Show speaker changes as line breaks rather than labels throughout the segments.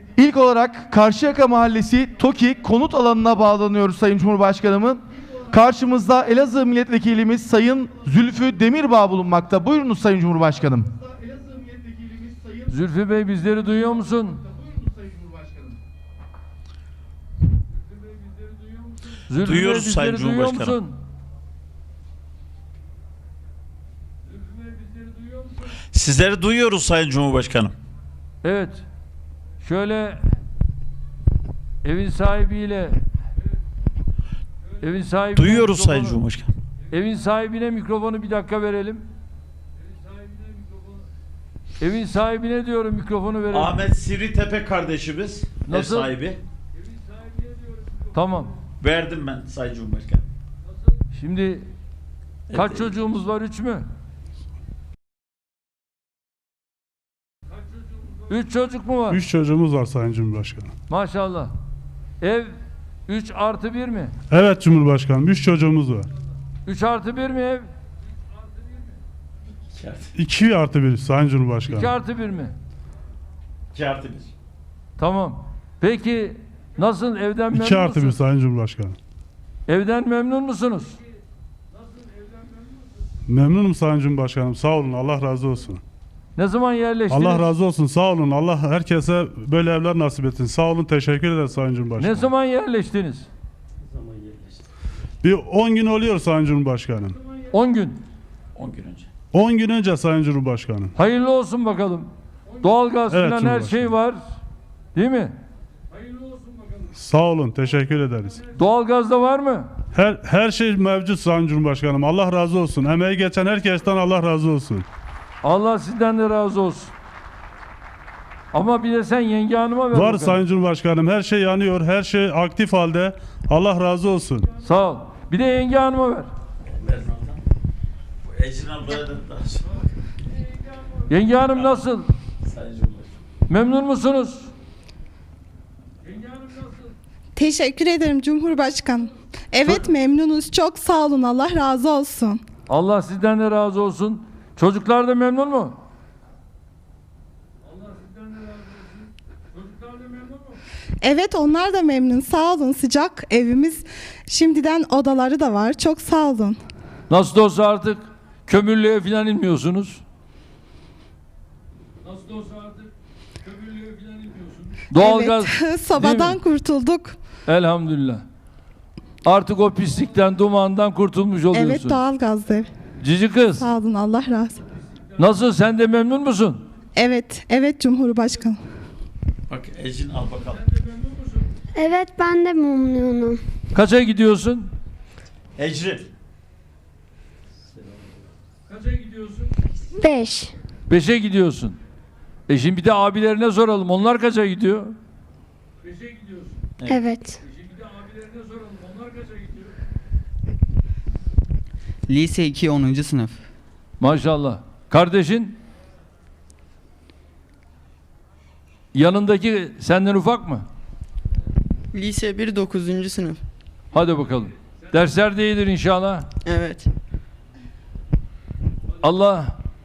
İlk olarak Karşıyaka Mahallesi TOKİ konut alanına bağlanıyoruz Sayın Cumhurbaşkanımın. Karşımızda Elazığ Milletvekilimiz Sayın Zülfü Demirbağ bulunmakta. Buyurunuz Sayın Cumhurbaşkanım.
Zülfü Bey bizleri duyuyor musun? Zülfü
Duyuyoruz
Bey,
Sayın
bizleri duyuyor
Cumhurbaşkanım.
musun? Zülfü Bey, bizleri duyuyor musun?
Sizleri duyuyoruz Sayın Cumhurbaşkanım.
Evet. Şöyle evin sahibiyle
Duyuyoruz Sayın Cumhurbaşkanım.
Evin sahibine mikrofonu bir dakika verelim. Evin sahibine diyorum mikrofonu verelim.
Ahmet Sivritepe kardeşimiz.
Nasıl?
Ev sahibi.
Tamam.
Verdim ben Sayın Cumhurbaşkanım.
Şimdi kaç çocuğumuz var? 3 mü? 3 çocuk mu var?
3 çocuğumuz var Sayın Cumhurbaşkanım.
Maşallah. Ev 3 artı 1 mi?
Evet Cumhurbaşkanım, 3 çocuğumuz var.
3 artı 1 mi ev?
2 artı 1 Sayın
2
Cumhurbaşkanım.
artı 1 mi?
2 artı 1.
Tamam. Peki nasıl, evden
2
memnun
artı 1
musunuz?
Sayın Cumhurbaşkanım.
Evden memnun musunuz?
Memnunum Sayın Cumhurbaşkanım. Sağ olun, Allah razı olsun.
Ne zaman yerleştiniz?
Allah razı olsun, sağ olun. Allah herkese böyle evler nasip etsin. Sağ olun, teşekkür ederiz Sayın Cumhurbaşkanım.
Ne zaman yerleştiniz?
Bir 10 gün oluyor Sayın Cumhurbaşkanım.
10 gün.
10 gün önce.
10 gün önce Sayın Cumhurbaşkanım.
Hayırlı olsun bakalım. Doğalgaz
Evet,
falan her şey var. Değil mi?
Sağ olun, teşekkür ederiz.
Doğalgaz da var mı?
Her şey mevcut Sayın Cumhurbaşkanım. Allah razı olsun. Emeği geçen herkesten Allah razı olsun.
Allah sizden de razı olsun. Ama bir de sen yenge hanıma ver
Var
bakalım.
Sayın Cumhurbaşkanım. Her şey yanıyor. Her şey aktif halde. Allah razı olsun.
Sağ ol. Bir de yenge hanıma ver.
Ecrin ablaya da
Yenge hanım nasıl?
Sayın Cumhurbaşkanım.
Memnun musunuz?
Teşekkür ederim Cumhurbaşkanım. Evet memnunuz. Çok sağ olun. Allah razı olsun.
Allah sizden de razı olsun. Çocuklar da memnun mu? Allah sizden de razı olsun. Çocuklar da memnun mu?
Evet onlar da memnun. Sağ olun. Sıcak evimiz. Şimdiden odaları da var. Çok sağ olun.
Nasıl olsa artık kömürlüğe falan inmiyorsunuz. Nasıl olsa artık kömürlüğe falan inmiyorsunuz. Doğalgaz.
Evet. Sobadan kurtulduk.
Elhamdülillah. Artık o pislikten, dumandan kurtulmuş oluyorsun.
Evet doğalgazlı ev.
Cici kız.
Sağ olun. Allah razı olsun.
Nasıl, sen de memnun musun?
Evet. Evet Cumhurbaşkanım.
Bak Ecrin al bakalım.
Evet ben de memnunum.
Kaça gidiyorsun?
Ecrin.
Kaça gidiyorsun?
5.
5'e gidiyorsun. Şimdi bir de abilerine soralım. Onlar kaça gidiyor? 5'e gidiyorsun.
Evet.
Şimdi bir de abilerine soralım. Onlar kaça gidiyor?
Lise 2 10. sınıf.
Maşallah. Kardeşin? Yanındaki senden ufak mı?
Lise 1 9. sınıf.
Hadi bakalım. Dersler de iyidir inşallah.
Evet.
Allah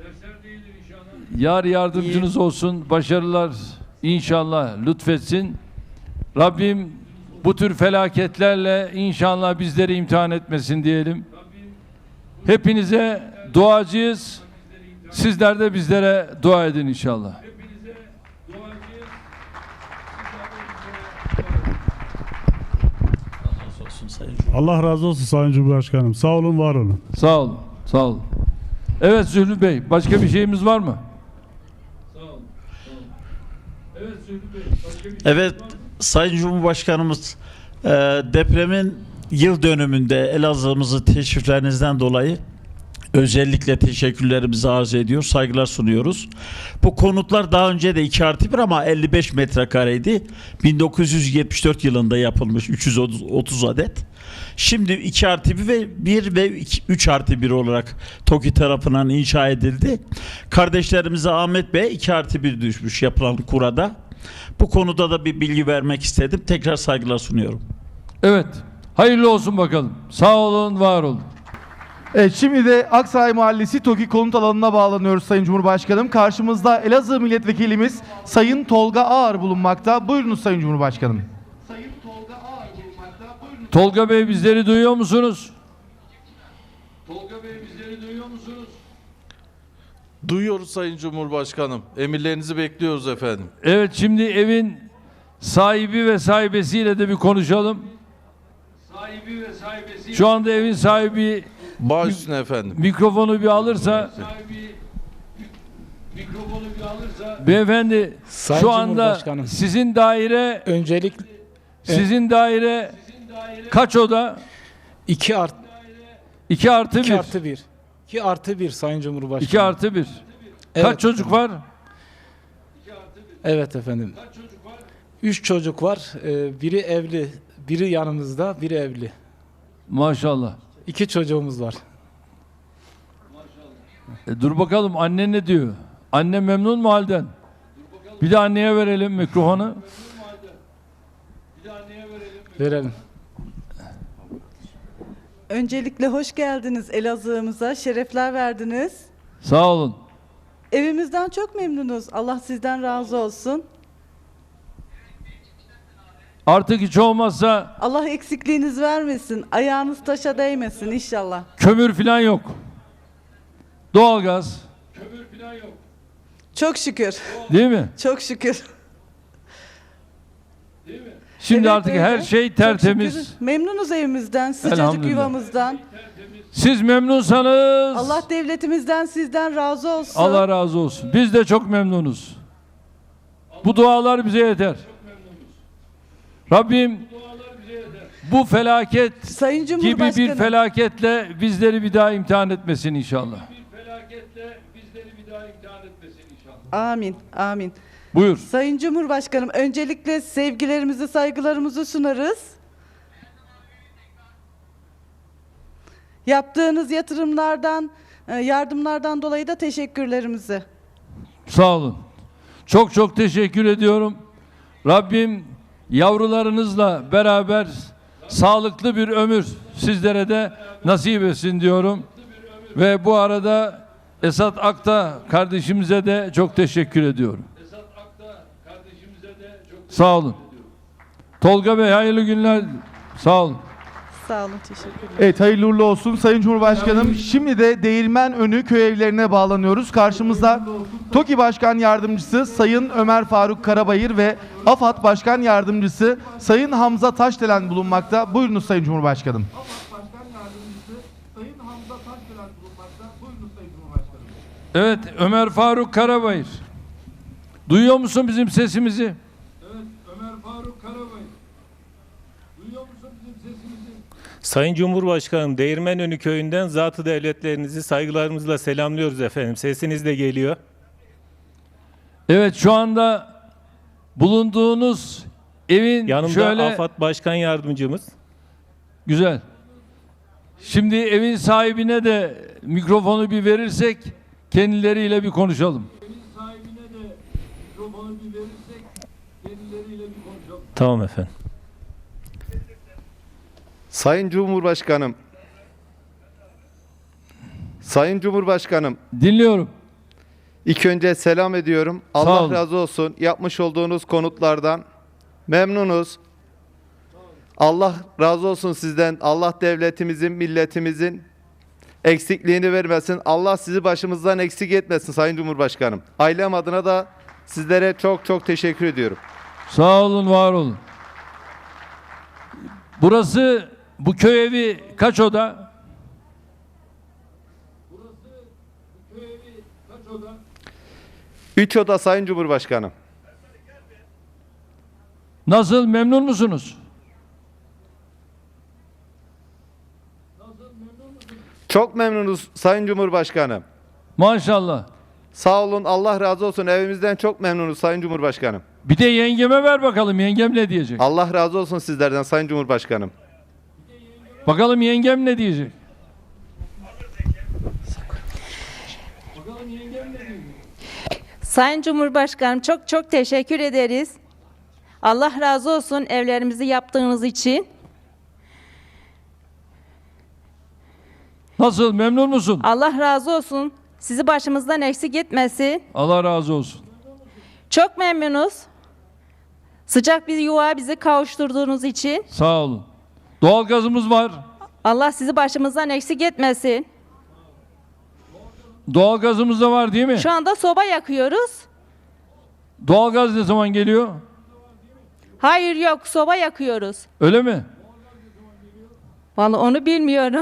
yar yardımcınız olsun. Başarılar inşallah lütfetsin. Rabbim bu tür felaketlerle inşallah bizleri imtihan etmesin diyelim. Hepinize duacıyız. Sizler de bizlere dua edin inşallah.
Allah razı olsun Sayın Cumhurbaşkanım.
Allah razı olsun Sayın Cumhurbaşkanım. Sağ olun, var olun.
Sağ olun. Sağ olun. Evet Zühlü Bey, başka bir şeyimiz var mı? Sağ olun. Evet Zühlü Bey, başka bir
Evet Sayın Cumhurbaşkanımız, depremin yıl dönümünde Elazığ'ımızı teşriflerinizden dolayı özellikle teşekkürlerimizi arz ediyor, saygılar sunuyoruz. Bu konutlar daha önce de 2 artı 1 ama 55 metrekareydi. 1974 yılında yapılmış 330 adet. Şimdi 2 artı 1 ve 3 artı 1 olarak TOKİ tarafından inşa edildi. Kardeşlerimize Ahmet Bey 2 artı 1 düşmüş yapılan kurada. Bu konuda da bir bilgi vermek istedim. Tekrar saygılar sunuyorum.
Evet. Hayırlı olsun bakalım. Sağ olun, var olun.
Evet, şimdi de Aksaray Mahallesi TOKİ konut alanına bağlanıyoruz Sayın Cumhurbaşkanım. Karşımızda Elazığ Milletvekilimiz Sayın Tolga Ağar bulunmakta. Buyurunuz Sayın Cumhurbaşkanım.
Tolga Bey bizleri duyuyor musunuz? Tolga Bey bizleri duyuyor musunuz?
Duyuyoruz Sayın Cumhurbaşkanım. Emirlerinizi bekliyoruz efendim.
Evet, şimdi evin sahibi ve sahibesiyle de bir konuşalım. Sahibi ve sahibesi. Şu anda evin sahibi
Baş üstüne efendim.
mikrofonu bir alırsa. Beyefendi,
Sayın
şu anda
Cumhurbaşkanım.
sizin daire kaç oda?
2 artı
2 artı 1.
1. 2 artı 1 Sayın Cumhurbaşkanım.
2 artı 1.
Evet,
Kaç çocuk var?
Evet efendim. 3 çocuk var. Biri evli, biri yanımızda, biri evli.
Maşallah.
2 çocuğumuz var.
Dur bakalım, anne ne diyor? Anne memnun mu halden? Bir de anneye verelim mikrofonu.
Verelim.
Öncelikle hoş geldiniz Elazığ'ımıza, şerefler verdiniz.
Sağ olun.
Evimizden çok memnunuz. Allah sizden razı olsun.
Artık hiç olmazsa
Allah eksikliğiniz vermesin. Ayağınız taşa değmesin inşallah.
kömür falan yok. Doğalgaz.
Çok şükür.
Değil mi?
Çok şükür.
Şimdi
Evet,
artık
öyle.
her şey
Çok
tertemiz.
şükür. Memnunuz evimizden, sıcacık
Elhamdülillah.
yuvamızdan.
Siz memnunsanız
Allah devletimizden sizden razı olsun.
Allah razı olsun. Biz de çok memnunuz. Bu dualar bize yeter. Rabbim bu felaket
Sayın
gibi
Cumhurbaşkanım.
bir felaketle bizleri bir daha imtihan etmesin inşallah.
Amin, amin.
Buyur.
Sayın Cumhurbaşkanım, öncelikle sevgilerimizi, saygılarımızı sunarız. Yaptığınız yatırımlardan, yardımlardan dolayı da teşekkürlerimizi.
Sağ olun. Çok çok teşekkür ediyorum. Rabbim yavrularınızla beraber sağlıklı bir ömür sizlere de nasip etsin diyorum. Ve bu arada Esat Akta kardeşimize de çok teşekkür ediyorum. Sağ olun. Tolga Bey hayırlı günler. Sağ olun.
Sağ olun, teşekkürler.
Evet, hayırlı uğurlu olsun Sayın Cumhurbaşkanım. Şimdi de Değirmenönü köy evlerine bağlanıyoruz. Karşımızda TOKİ Başkan Yardımcısı Sayın Ömer Faruk Karabayır ve AFAD Başkan Yardımcısı Sayın Hamza Taşdelen bulunmakta. Buyurunuz Sayın Cumhurbaşkanım.
Evet, Ömer Faruk Karabayır. Duyuyor musun bizim sesimizi? Evet, Ömer Faruk Karabayır. Duyuyor musun bizim sesimizi?
Sayın Cumhurbaşkanım, Değirmenönü köyünden zatı devletlerinizi saygılarımızla selamlıyoruz efendim. Sesiniz de geliyor.
Evet, şu anda bulunduğunuz evin
Yanımda
şöyle
AFAD Başkan Yardımcımız.
güzel. Şimdi evin sahibine de mikrofonu bir verirsek kendileriyle bir konuşalım.
Tamam efendim.
Sayın Cumhurbaşkanım. Sayın Cumhurbaşkanım.
Dinliyorum.
İlk önce selam ediyorum.
Sağ
Allah
olun.
razı olsun. Yapmış olduğunuz konutlardan memnunuz. Allah razı olsun sizden. Allah devletimizin, milletimizin eksikliğini vermesin. Allah sizi başımızdan eksik etmesin Sayın Cumhurbaşkanım. Ailem adına da sizlere çok çok teşekkür ediyorum.
Sağ olun, var olun. Burası, bu köy evi kaç oda?
3 oda Sayın Cumhurbaşkanım.
Nasıl, memnun musunuz?
Çok memnunuz Sayın Cumhurbaşkanım.
Maşallah.
Sağ olun, Allah razı olsun. Evimizden çok memnunuz Sayın Cumhurbaşkanım.
Bir de yengeme ver bakalım, yengem ne diyecek?
Allah razı olsun sizlerden Sayın Cumhurbaşkanım.
Bakalım yengem ne diyecek?
Sayın Cumhurbaşkanım, çok çok teşekkür ederiz. Allah razı olsun evlerimizi yaptığınız için.
Nasıl, memnun musun?
Allah razı olsun. Sizi başımızdan eksik etmesin.
Allah razı olsun.
Çok memnunuz. Sıcak bir yuva bizi kavuşturduğunuz için.
Sağ olun. Doğalgazımız var.
Allah sizi başımızdan eksik etmesin.
Doğalgazımız da var değil mi?
Şu anda soba yakıyoruz.
Doğalgaz ne zaman geliyor?
Hayır yok, soba yakıyoruz.
Öyle mi?
Vallahi onu bilmiyorum.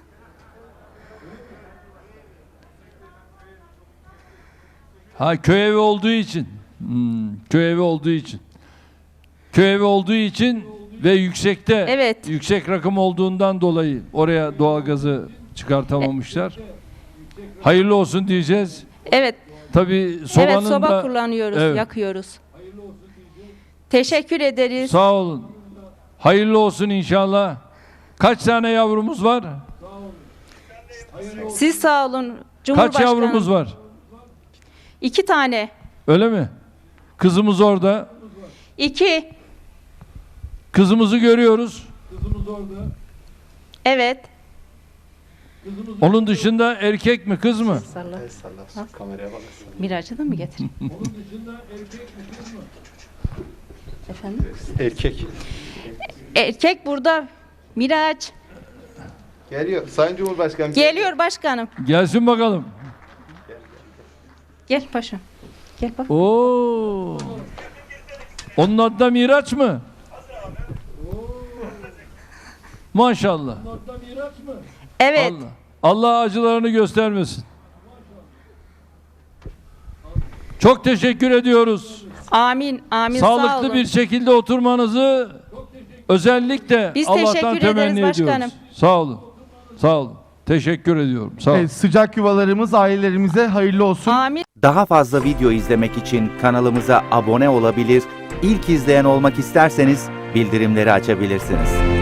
Ha, köy evi olduğu için. Köy evi olduğu için. Köy evi olduğu için ve yüksekte,
Evet.
yüksek rakım olduğundan dolayı oraya doğalgazı çıkartamamışlar. Hayırlı olsun diyeceğiz.
Evet.
Tabii sobanın
Evet, soba
da
kullanıyoruz,
Evet.
yakıyoruz. Teşekkür ederiz.
Sağ olun. Hayırlı olsun inşallah. Kaç tane yavrumuz var?
Siz sağ olun
Kaç
Cumhurbaşkanım.
yavrumuz var?
2 tane.
Öyle mi? Kızımız orada.
2.
Kızımızı görüyoruz.
Evet.
Onun dışında erkek mi, kız mı?
Miraç'ı da mı getir? Efendim?
Erkek.
Erkek burada. Miraç.
Geliyor. Sayın Cumhurbaşkanım.
Geliyor başkanım.
Gelsin bakalım.
Gel paşam. Gel bak.
Oo. Onun adı da Miraç mı? Maşallah.
Evet.
Allah acılarını göstermesin. Çok teşekkür ediyoruz.
Amin. Amin. Sağ
Sağlıklı
olun.
bir şekilde oturmanızı özellikle
Biz
Allah'tan
teşekkür
temenni
ederiz
ediyoruz.
başkanım.
Sağ olun. Sağ olun. Teşekkür ediyorum. Sağ olun.
Evet, sıcak yuvalarımız ailelerimize hayırlı olsun.
Amin.
Daha fazla video izlemek için kanalımıza abone olabilir, ilk izleyen olmak isterseniz bildirimleri açabilirsiniz.